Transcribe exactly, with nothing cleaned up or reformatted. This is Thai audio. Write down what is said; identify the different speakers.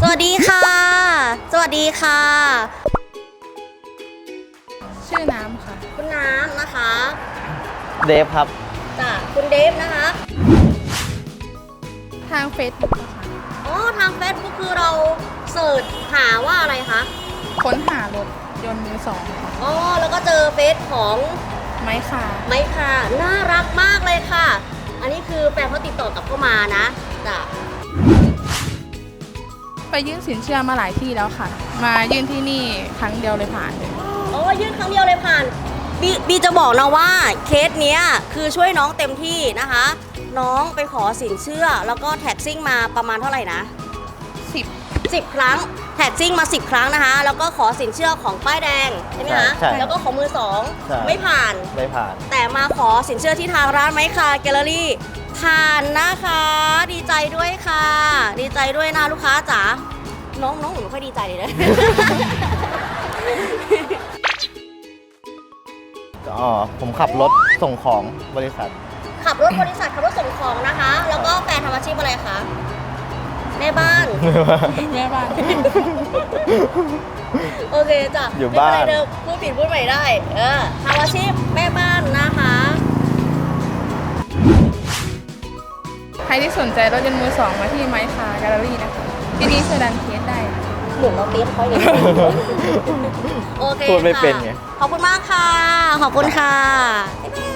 Speaker 1: วัสดีค่ะ สวัสดีค่ะ
Speaker 2: ชื่อน้ำค่ะ
Speaker 1: คุณน้ำนะคะ
Speaker 3: เดฟครับ
Speaker 1: จ้ะคุณเดฟนะคะ
Speaker 2: ทางเฟซบุ๊กค่ะ
Speaker 1: อ๋อ ทาง Facebook คือเราเสิร์ชหาว่าอะไรคะ
Speaker 2: ค้นหารถยนต์มือสองค่ะ
Speaker 1: อ๋อ แล้วก็เจอเฟซของ
Speaker 2: ไม้ค่ะ
Speaker 1: ไม้ค่ะ น่ารักมากเลยค่ะ อันนี้คือแฟนเขาติดต่อกลับเข้ามานะจ้ะ
Speaker 2: ไปยื่นสินเชื่อมาหลายที่แล้วค่ะ มายื่นที่นี่ครั้งเดียวเลยผ่านเลย
Speaker 1: อ๋อ ยื่นครั้งเดียวเลยผ่านบีบีจะบอกนะว่าเคสเนี้ยคือช่วยน้องเต็มที่นะคะ น้องไปขอสินเชื่อแล้วก็แท็กซิ่งมาประมาณเท่าไหร่นะ
Speaker 2: สิบ
Speaker 1: สิบ ครั้งแท็กซิ่งมา สิบ ครั้งนะคะ แล้วก็ขอสินเชื่อของป้ายแดงใช่ไหมคะ
Speaker 3: ใช่
Speaker 1: แล้วก็ของมือสอง
Speaker 3: ใช่
Speaker 1: ไม่ผ่าน
Speaker 3: ไม่ผ่าน
Speaker 1: แต่มาขอสินเชื่อที่ทางร้านไม้คาแกลเลอรี่ผ่านนะคะ ดีใจด้วยค่ะ ดีใจด้วยนะลูกค้าจ๋าน้องน้องหนูไม่ค่อยดีใจเลยนะ
Speaker 3: อ๋อ ผมขับรถส่งของบริษัท
Speaker 1: ขับรถบริษัทขับรถส่งของนะคะ แล้วก็แฟนทำอาชีพอะไรคะแม่บ้าน
Speaker 2: แม่บ้าน
Speaker 1: โอเคจ้ะ
Speaker 3: อยู่บ้าน
Speaker 1: ไม่เป็นไรเดิมพูดผิดพูดใหม่ได้ เออทำอาชีพแม่บ้านนะคะ
Speaker 2: ใครที่สนใจรถยนต์มือสองมาที่ไม้คาแกลเลอรี่นะคะ ที่นี่ช่วยดันเคสได้
Speaker 1: หมุนเราเตี้ยเขาอย่างนี้ โอเค
Speaker 3: พูดไม่เป็นไง
Speaker 1: ค่ะขอบคุณมากค่ะ ขอบคุณค่ะบ๊ายบาย